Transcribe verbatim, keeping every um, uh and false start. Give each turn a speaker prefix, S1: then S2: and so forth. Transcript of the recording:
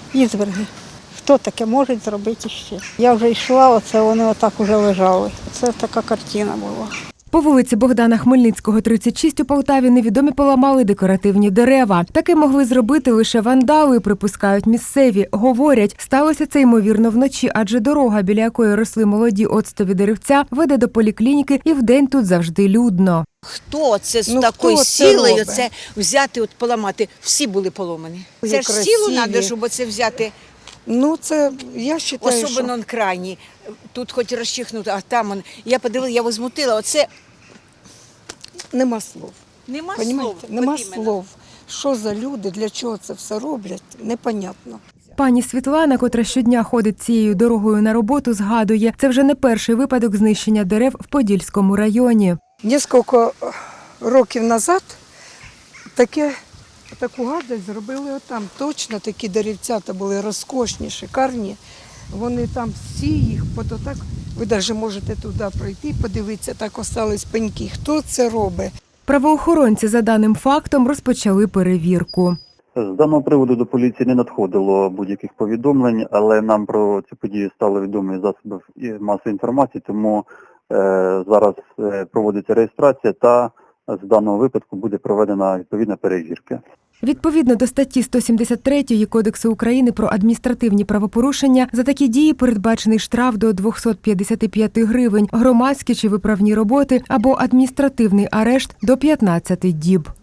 S1: ізверги. Хто таке може зробити ще? Я вже йшла, оце вони отак уже лежали. Це така картина була.
S2: По вулиці Богдана Хмельницького, тридцять шість у Полтаві невідомі поламали декоративні дерева. Таке могли зробити лише вандали, припускають місцеві. Говорять, сталося це ймовірно вночі, адже дорога, біля якої росли молоді оцтові деревця, веде до поліклініки і вдень тут завжди людно.
S3: Хто це з
S1: Ну,
S3: такою
S1: хто це
S3: силою
S1: робить?
S3: це взяти, от поламати? Всі були поломані.
S1: Ой,
S3: Це ж
S1: красиві.
S3: силу треба, щоб це взяти,
S1: Ну, це, я вважаю,
S3: особливо
S1: що...
S3: на крайній. Тут хоч розчихнути, а там, он, я подивилася, я возмутила, оце
S1: Нема слов.
S3: нема слов.
S1: Понімаєте? Нема
S3: от іменно.
S1: слов. Що за люди, для чого це все роблять, непонятно.
S2: Пані Світлана, котра щодня ходить цією дорогою на роботу, згадує, це вже не перший випадок знищення дерев в Подільському районі.
S1: Кілька років назад таке, таку гадость зробили отам. Точно такі деревцята були розкошні, шикарні. Вони там всі їх, от отак, ви навіть можете туди пройти, подивитися, так остались пеньки. Хто це робить?
S2: Правоохоронці за даним фактом розпочали перевірку.
S4: З даного приводу до поліції не надходило будь-яких повідомлень, але нам про цю подію стали відомі засоби масової інформації, тому е, зараз е, проводиться реєстрація та з даного випадку буде проведена відповідна перевірка.
S2: Відповідно до статті сто сімдесят три Кодексу України про адміністративні правопорушення, за такі дії передбачений штраф до двохсот п'ятдесяти п'яти гривень, громадські чи виправні роботи або адміністративний арешт до п'ятнадцяти діб.